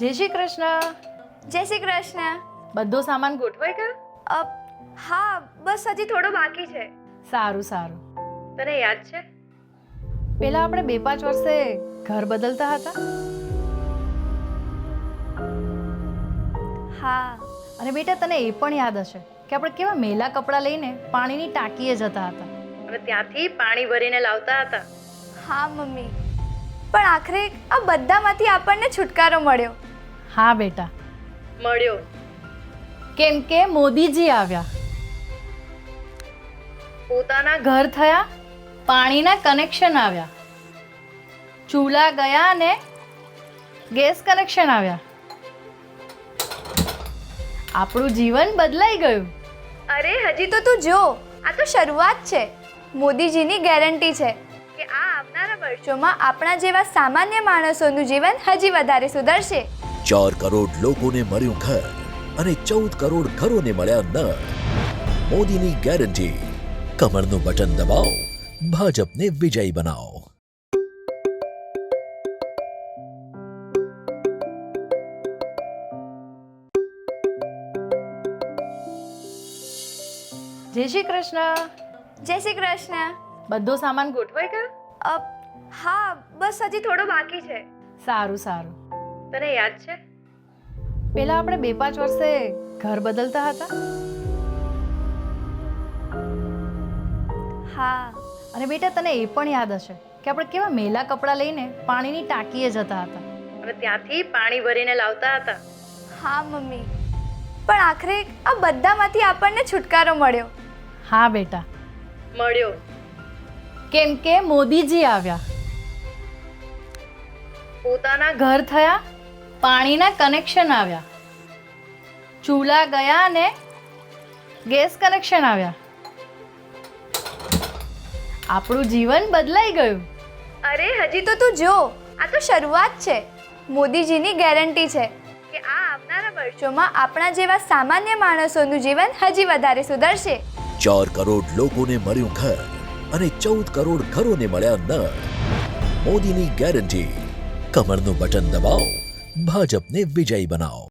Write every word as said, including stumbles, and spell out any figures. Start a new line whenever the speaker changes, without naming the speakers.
જય શ્રી કૃષ્ણ.
જય શ્રી કૃષ્ણ.
બધો સામાન ગોઠવાઈ ગયો?
અ, હા, બસ હજી થોડો બાકી છે.
સારું સારું.
તને યાદ છે
પેલા આપણે બે પાંચ વર્ષે ઘર બદલતા હતા?
હા.
અને બેટા તને એ પણ યાદ હશે કે આપણે કેવા મેલા કપડાં લઈને પાણીની ટાંકીએ જતા હતા અને ત્યાંથી પાણી ભરીને લાવતા હતા.
હા મમ્મી, પણ આખરે આ બધામાંથી આપણને છુટકારો મળ્યો.
હા બેટા, મળ્યો. કેમ કે મોદીજી આવ્યા, પોતાના ઘર થયા, પાણીના કનેક્શન આવ્યા, ચૂલા ગયા અને ગેસ કનેક્શન આવ્યા. આપણું જીવન બદલાઈ ગયું.
અરે હજી તો તું જો, આ તો શરૂઆત છે. મોદીજીની ગેરંટી છે કે આ આવનારા વર્ષોમાં આપણા જેવા સામાન્ય માણસોનું જીવન હજી વધારે સુધરશે.
ચાર કરોડ લોકોને મળ્યું ઘર અને ચૌદ કરોડ ઘરોને મળ્યા નળ. મોદીની ગેરંટી. કમરનું બટન દબાવો, ભાજપને વિજયી બનાવો.
જય શ્રી કૃષ્ણ.
જય શ્રી કૃષ્ણ.
બધો સામાન ગોઠવાઈ ગયો?
અ, હા, બસ હજી થોડો બાકી છે.
સારું સારું.
તને યાદ છે
પેલા આપણે બે પાંચ વર્ષે ઘર બદલતા હતા?
હા.
અને બેટા તને એ પણ યાદ હશે કે આપણે કેવા મેલા કપડાં લઈને પાણીની ટાંકીએ જતા હતા અને ત્યાંથી પાણી ભરીને લાવતા હતા.
હા મમ્મી, પણ આખરે આ બધામાંથી આપણને છુટકારો મળ્યો.
હા બેટા, મળ્યો. કેમ કે મોદીજી આવ્યા, પોતાના ઘર થયા, પાણીના કનેક્શન આવ્યા, ચૂલા ગયા અને ગેસ કનેક્શન આવ્યા. આપણું જીવન બદલાઈ ગયું.
અરે હજી તો તું જો, આ તો શરૂઆત છે. મોદીજીની ગેરંટી છે કે આ આવનારા વર્ષોમાં આપણા જેવા સામાન્ય માણસોનું જીવન હજી વધારે સુધરશે.
ચાર કરોડ લોકોને મળ્યું ઘર અને ચૌદ કરોડ ઘરોને મળ્યા નળ. મોદીની ગેરંટી. કમરનું બટન દબાવો, ભાજપને વિજયી બનાવો.